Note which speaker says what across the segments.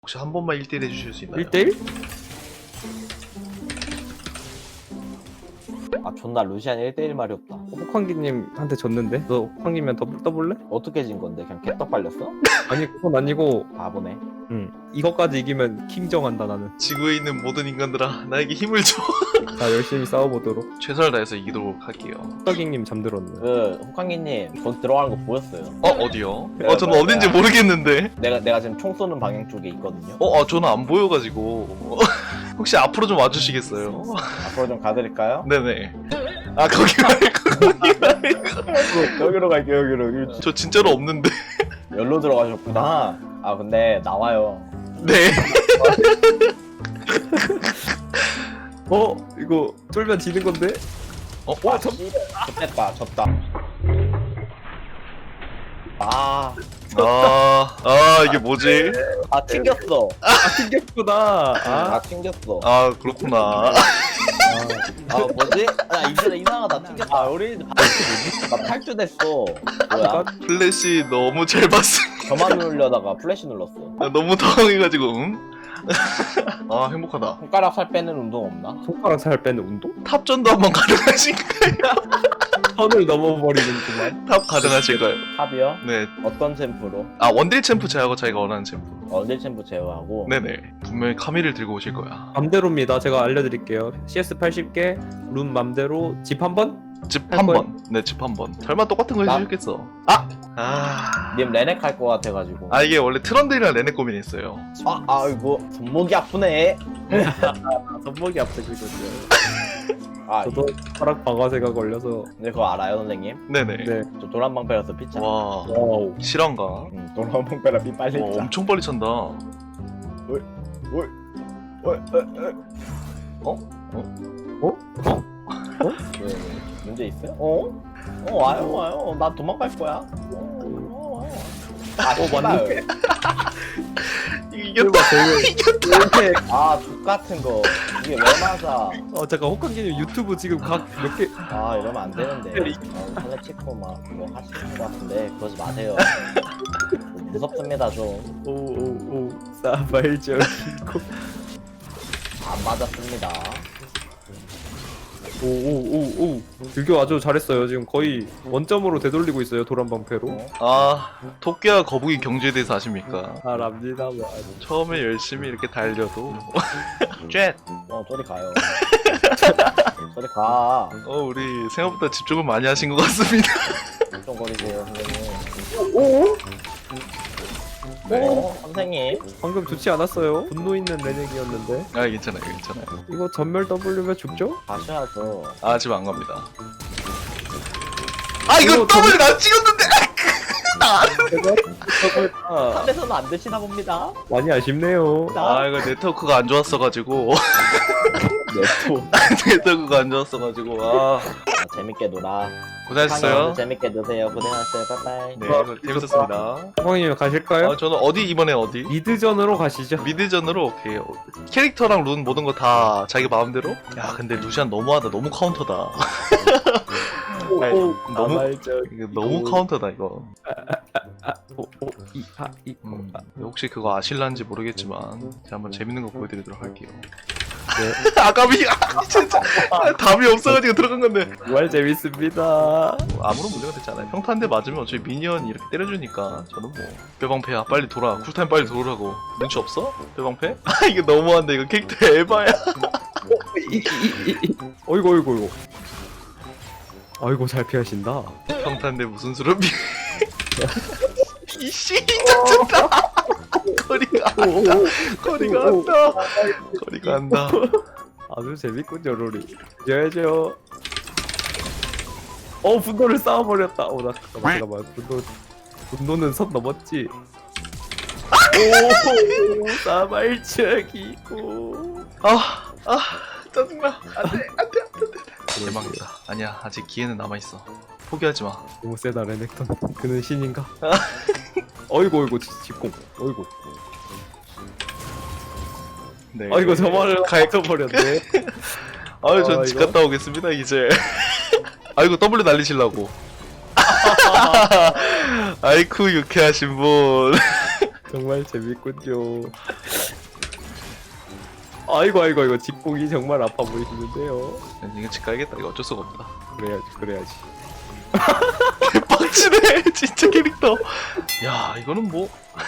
Speaker 1: 혹시 한 번만 1대1 해주실 수 있나요?
Speaker 2: 1대1?
Speaker 3: 아 존나 루시안 1대1 말이 없다.
Speaker 2: 혹한기님한테 졌는데? 너 혹한기면 더블 떠볼래?
Speaker 3: 어떻게 진 건데? 그냥 개떡 발렸어?
Speaker 2: 아니 그건 아니고
Speaker 3: 바보네.
Speaker 2: 이것까지 이기면 킹정한다 나는.
Speaker 1: 지구에 있는 모든 인간들아 나에게 힘을 줘.
Speaker 2: 자 열심히 싸워보도록.
Speaker 1: 최선을 다해서 이기도록 할게요.
Speaker 2: 혹한기님 잠들었네.
Speaker 3: 그 혹한기님 곧 들어가는 거 보였어요.
Speaker 1: 어디요? 저는 어딘지 모르겠는데.
Speaker 3: 내가 지금 총 쏘는 방향 쪽에 있거든요.
Speaker 1: 저는 안 보여가지고. 혹시 앞으로 좀 와주시겠어요?
Speaker 3: 앞으로 좀 가드릴까요?
Speaker 1: 네네. 아 거기 말고.
Speaker 3: 여기로 갈게요. 여기로.
Speaker 1: 저 진짜로 없는데.
Speaker 3: 열로 들어가셨구나. 아 근데 나와요.
Speaker 1: 네.
Speaker 2: 이거 쫄면 지는 건데?
Speaker 3: 와 졌다. 졌다.
Speaker 1: 이게 뭐지?
Speaker 3: 튕겼어.
Speaker 2: 튕겼구나.
Speaker 3: 튕겼어.
Speaker 1: 그렇구나.
Speaker 3: 뭐지? 이제 이상하다. 튕겼다. 우리 나 탈주됐어. 뭐야?
Speaker 1: 플래시 너무 잘 봤어.
Speaker 3: 저만 누르려다가 플래시 눌렀어.
Speaker 1: 나 너무 당황해가지고. 행복하다.
Speaker 3: 손가락 살 빼는 운동 없나?
Speaker 2: 손가락 살 빼는 운동?
Speaker 1: 탑전도 한번 가능하신가요?
Speaker 2: 선을 넘어버리는구만.
Speaker 1: 탑 가능하실까요?
Speaker 3: 탑이요?
Speaker 1: 네.
Speaker 3: 어떤 챔프로?
Speaker 1: 원딜 챔프 제하고 자기가 원하는 챔프.
Speaker 3: 언딜 챔프 제어하고.
Speaker 1: 네네. 분명히 카미를 들고 오실 거야.
Speaker 2: 맘대로입니다. 제가 알려드릴게요. CS 80개, 룬 맘대로 집 한 번?
Speaker 1: 집
Speaker 2: 할
Speaker 1: 한
Speaker 2: 거예요?
Speaker 1: 번. 네, 집 한 번. 설마 똑같은 거
Speaker 3: 나-
Speaker 1: 해주셨겠어.
Speaker 3: 님 레넥 할 것 같아가지고.
Speaker 1: 이게 원래 트런들이랑 레넥 고민이 있어요.
Speaker 3: 이거 손목이 아프네.
Speaker 2: 손목이 아프시거든요.
Speaker 3: 저도.
Speaker 2: 저도 손가락 방아쇠가 걸려서.
Speaker 3: 근데 그거 알아요 선생님?
Speaker 1: 네네.
Speaker 2: 네.
Speaker 3: 저 도란방패라서 피차.
Speaker 1: 와,
Speaker 2: 와우.
Speaker 1: 실화인가?
Speaker 3: 도란방패라 피 빨리 차.
Speaker 1: 엄청 빨리 찬다.
Speaker 3: 왜, 문제 있어요? 와요. 나 도망갈 거야. 와요.
Speaker 2: 맞네.
Speaker 1: 이겼다.
Speaker 3: 족 같은 거. 이게 왜 맞아?
Speaker 2: 잠깐 혹한기님 유튜브 지금 각 몇 개?
Speaker 3: 이러면 안 되는데. 살레 찍고 막 그거 하시는 것 같은데 그러지 마세요. 무섭습니다 좀.
Speaker 2: 오오오 싸발적이고.
Speaker 3: 안 맞았습니다.
Speaker 2: 오오오오 유교 아주 잘했어요. 지금 거의 원점으로 되돌리고 있어요. 도란방패로.
Speaker 1: 토끼와 거북이 경주에 대해서 아십니까?
Speaker 2: 잘합니다.
Speaker 1: 처음에 열심히 이렇게 달려도 쉣!
Speaker 3: 저리 가요. 저리 가.
Speaker 1: 우리 생각보다 집중을 많이 하신 것 같습니다.
Speaker 3: 좀 거리세요 선생님.
Speaker 2: 오?
Speaker 3: 선생님.
Speaker 2: 방금 좋지 않았어요? 분노 있는 레넥이었는데.
Speaker 1: 괜찮아요.
Speaker 2: 이거 전멸 W면 죽죠?
Speaker 3: 가셔야죠.
Speaker 1: 지금 안 갑니다. 이거 더블 나 찍었는데!
Speaker 2: 제가
Speaker 3: 탑에서는 안 되시나 봅니다.
Speaker 2: 많이 아쉽네요.
Speaker 1: 이거 네트워크가 안 좋았어가지고.
Speaker 3: 네토.
Speaker 1: 네트워크가 안 좋았어가지고.
Speaker 3: 재밌게 놀아.
Speaker 1: 고생하셨어요.
Speaker 3: 재밌게 노세요. 고생하셨어요. 빠이빠이.
Speaker 1: 네, 재밌었습니다.
Speaker 2: 호황님 가실까요?
Speaker 1: 저는 이번에 어디?
Speaker 2: 미드전으로 가시죠.
Speaker 1: 미드전으로 오케이. 캐릭터랑 룬 모든 거 다 자기 마음대로? 근데 루시안 너무하다. 너무 카운터다. 이거 너무 카운터다 이거. 혹시 그거 아실란지 모르겠지만 제가 한번 재밌는 거 보여드리도록 할게요.
Speaker 2: 네.
Speaker 1: 아까비 진짜 답이 없어가지고 들어간 건데
Speaker 2: 정말 재밌습니다.
Speaker 1: 아무런 문제가 되지 않아요. 평타 한 대 맞으면 어차피 미니언이 이렇게 때려주니까 저는 뭐 뼈방패야 빨리 돌아 쿨타임 빨리 돌으라고. 눈치 없어? 뼈방패? 이거 너무한데 이거 캐릭터 에바야.
Speaker 2: 어이구. 아이고 잘 피하신다.
Speaker 1: 평타 한 대 무슨 수로 미 이씨 짜증나. 거리가 안다.
Speaker 2: 아주 재밌군요 롤이. 이겨야죠. 분노를 쌓아버렸다. 나 잠깐만. 분노는 선 넘었지. 오 싸발적이고.
Speaker 1: 짜증나. 안돼. 대박이다. 아니야 아직 기회는 남아있어. 포기하지 마.
Speaker 2: 너무 세다 레넥턴. 그는 신인가? 어이구 직공. 어이구.
Speaker 1: 네.
Speaker 2: 아이고 저만을 가져버렸네.
Speaker 1: 전 집 갔다 오겠습니다 이제. 아이고 W 날리시려고. 아이쿠 유쾌하신 분.
Speaker 2: 정말 재밌군요. 아이고 이거 직공이 정말 아파 보이시는데요.
Speaker 1: 이거 집 가야겠다. 이거 어쩔 수가 없다.
Speaker 2: 그래야지.
Speaker 1: 개빡치네 진짜 캐릭터. 야 이거는 뭐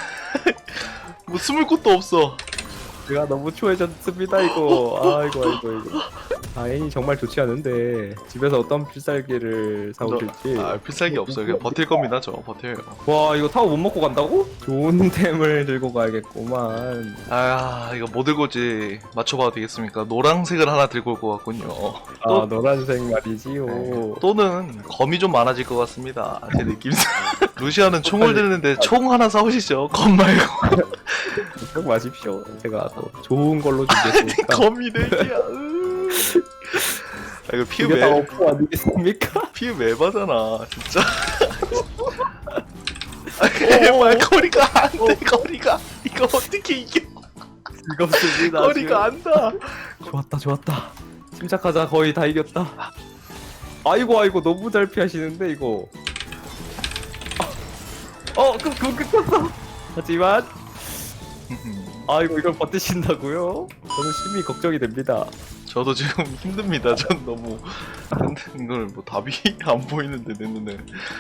Speaker 1: 숨을 곳도 없어.
Speaker 2: 제가 너무 추해졌습니다 이거. 아이고. 애인이 정말 좋지 않은데 집에서 어떤 필살기를 사오실지.
Speaker 1: 필살기 없어요. 그냥 버틸 겁니다. 저 버텨요.
Speaker 2: 와 이거 타워 못 먹고 간다고? 좋은 템을 들고 가야겠구만.
Speaker 1: 이거 뭐 들고지 맞춰봐도 되겠습니까? 노란색을 하나 들고 올 것 같군요.
Speaker 2: 아 노란색 말이지요.
Speaker 1: 또는 검이 좀 많아질 것 같습니다. 제 느낌상. 루시아는 총을 드는데 총 하나 사오시죠. 검 말고.
Speaker 2: 걱정 마십시오. 제가 또 좋은 걸로 준비했으니까.
Speaker 1: 검이 4개야. 이거
Speaker 2: 이게 다 어프 아니겠습니까?
Speaker 1: 피우 매바잖아 진짜. 정말 거리가 안돼. 거리가 이거 어떻게 이겨.
Speaker 2: 즐겁습니다.
Speaker 1: 거리가 안다.
Speaker 2: 좋았다. 침착하자. 거의 다 이겼다. 아이고 너무 잘 피하시는데 이거. 끊겼어. 하지만 아이고 이걸 버티신다고요? 저는 심히 걱정이 됩니다.
Speaker 1: 저도 지금 힘듭니다. 전 너무 이걸 뭐 답이 안 보이는데 내 눈에.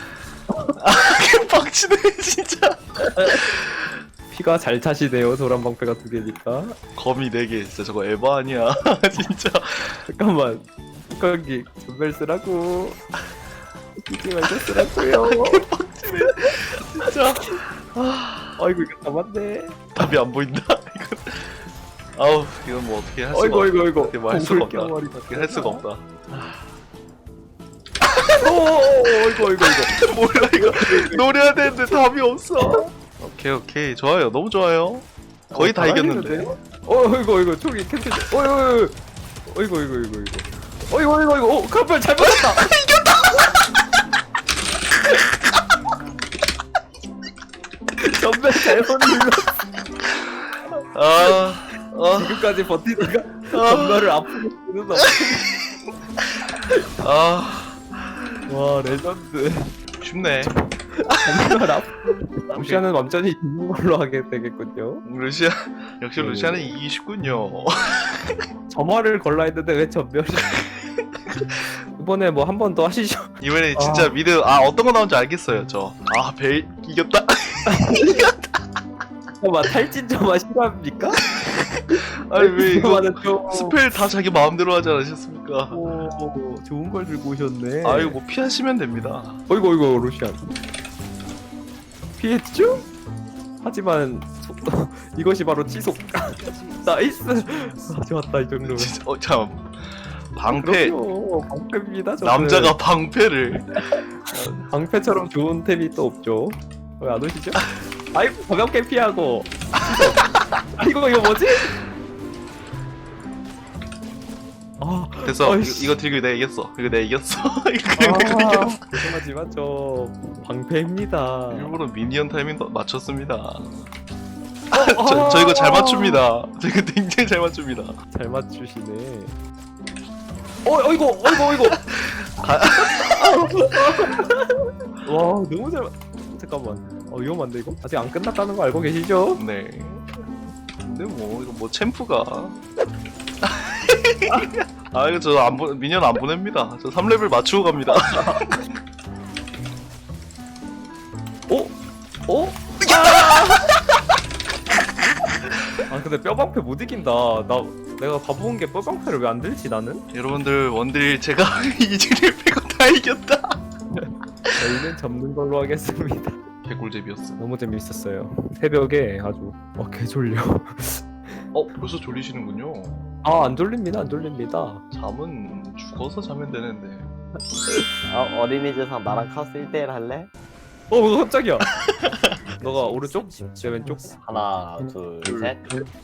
Speaker 1: 빡치네 진짜.
Speaker 2: 피가 잘 차시네요. 도란방패가 2개니까.
Speaker 1: 검이 4개 진짜 저거 에바 아니야. 진짜.
Speaker 2: 잠깐만. 뚜껑기 전멸 쓰라고. 이게 말고 쓰라고요.
Speaker 1: 빡치네 진짜.
Speaker 2: 아이고 이거 다 맞네.
Speaker 1: 답이 안 보인다. 이건 아우 이건 뭐 어떻게 할 수가
Speaker 2: 어이구
Speaker 1: 어떻게 뭐할 수가 없다.
Speaker 2: 껴버리다.
Speaker 1: 어떻게 할 수가 없다.
Speaker 2: 이거.
Speaker 1: 몰라 이거 노려야 되는데 답이 없어. 오케이 좋아요. 너무 좋아요. 거의 다 이겼는데.
Speaker 2: 이거 총이 캔슬. 이거. 카펠 잘 맞았다. 전멸 잘못 눌러. 지금까지 버티다가 전멸을 앞으로 쓰는 와 레전드.
Speaker 1: 쉽네.
Speaker 2: 전멸 앞. 루시아는 완전히 죽는 걸로 하게 되겠군요.
Speaker 1: 루시아 역시 루시아는 이기기 쉽군요.
Speaker 2: 점화를 걸라 했는데 왜 전멸이? 이번에 뭐 한 번 더 하시죠.
Speaker 1: 이번에 진짜 미드 어떤 거 나온지 알겠어요. 벨 이겼다.
Speaker 2: 잠깐만 탈진 점화 실화입니까?
Speaker 1: 아니 왜 이거
Speaker 2: 좀...
Speaker 1: 스펠 다 자기 마음대로 하지 않으셨습니까?
Speaker 2: 오, 좋은 걸 들고 오셨네.
Speaker 1: 이거 뭐 피하시면 됩니다.
Speaker 2: 이거 루시안 피했죠? 하지만 이것이 바로 지속. 나이스. 좋았다 이 정도면.
Speaker 1: 진짜 참 방패.
Speaker 2: 그럼요, 방패입니다. 저는.
Speaker 1: 남자가 방패를.
Speaker 2: 방패처럼 좋은 템이 또 없죠. 왜 안 오시죠? 아이고 가볍게 피하고. 이거 뭐지?
Speaker 1: 그래서 이거 들고 내가 이겼어. 이거 내가 이겼어. 이거 이겼어.
Speaker 2: 죄송하지만 저 방패입니다.
Speaker 1: 일부러 미니언 타이밍 맞췄습니다. 저 이거 잘 맞춥니다. 저 이거 굉장히 잘 맞춥니다.
Speaker 2: 잘 맞추시네. 이거. 와 너무 잘. 잠깐만. 위험한데 이거? 아직 안 끝났다는 거 알고 계시죠?
Speaker 1: 네. 근데 뭐 이거 뭐 챔프가. 이거 저 미니언 안 보냅니다. 저 3레벨 맞추고 갑니다.
Speaker 2: 근데 뼈방패 못 이긴다. 내가 가본 게 뼈방패를 왜 안 들지 나는?
Speaker 1: 여러분들 원딜 제가 이즈를 빼고 다 이겼다.
Speaker 2: 저희는 접는 걸로 하겠습니다.
Speaker 1: 개꿀잼이었어.
Speaker 2: 너무 재밌었어요. 새벽에 아주 개졸려.
Speaker 1: 벌써 졸리시는군요.
Speaker 2: 안 졸립니다.
Speaker 1: 잠은 죽어서 자면 되는데.
Speaker 3: 어린이집상 나랑 카스 1대1 할래?
Speaker 2: 깜짝이야. 너가 오른쪽? 제 왼쪽?
Speaker 3: 하나 둘셋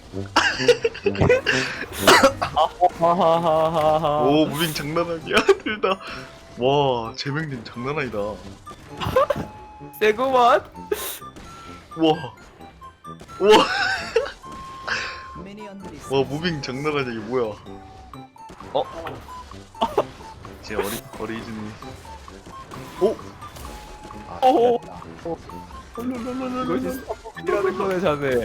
Speaker 2: 하하하하하.
Speaker 1: 오 무빙 장난 아니야. 둘 다. 와 재명님 장난 아니다.
Speaker 2: 세구만.
Speaker 1: 와 무빙 장난 아니야. 이게 뭐야. 제 어리진이.
Speaker 3: 아,
Speaker 2: 이것이 이라는 거네 자네.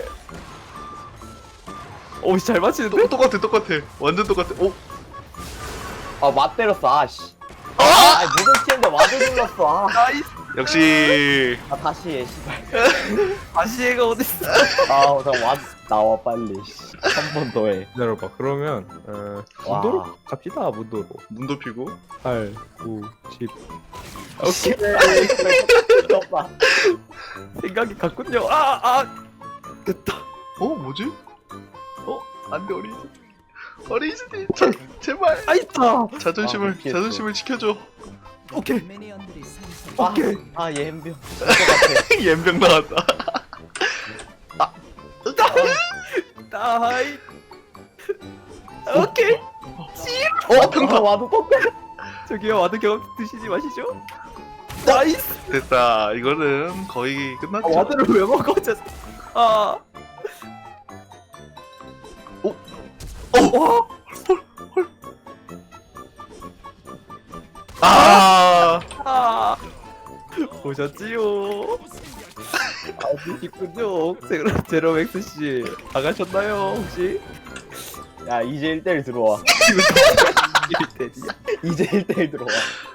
Speaker 2: 오씨 잘 맞히는데?
Speaker 1: 똑같아 완전 똑같아. 오
Speaker 3: 아맞 때렸어 아씨. 아 무슨 치는데 와드 눌렀어.
Speaker 2: 나이스.
Speaker 1: 역시
Speaker 3: 다시 해 씨발.
Speaker 2: 다시 얘가 어딨어?
Speaker 3: 아나 나와 빨리. 한 번 더 해.
Speaker 2: 기다려봐. 그러면
Speaker 3: 와.
Speaker 2: 문도로 갑시다. 문도로.
Speaker 1: 눈 덮이고.
Speaker 2: 8, 9, 10. 오케이.
Speaker 3: 오빠.
Speaker 2: 생각이 같군요. 됐다.
Speaker 1: 뭐지? 안돼 어린이집 제발
Speaker 2: 아이다.
Speaker 1: 자존심을
Speaker 3: 피했어.
Speaker 1: 지켜줘.
Speaker 2: 오케이.
Speaker 3: 오케이. 아얘 햄병.
Speaker 1: 연병 나왔다.
Speaker 2: 나이. 오케이.
Speaker 3: 평타 와도 똑같아.
Speaker 2: 저기요 와드 경험 드시지 마시죠. 나이스.
Speaker 1: 됐다. 이거는 거의 끝났죠.
Speaker 2: 와드를 왜 먹어? 아. 와.
Speaker 1: 아
Speaker 2: 보셨지요? 아시군요. 제로맥스 씨 나가셨나요 혹시?
Speaker 3: 야 이제 1대1 들어와.
Speaker 2: 이때지.
Speaker 3: 이제 1대1 들어와.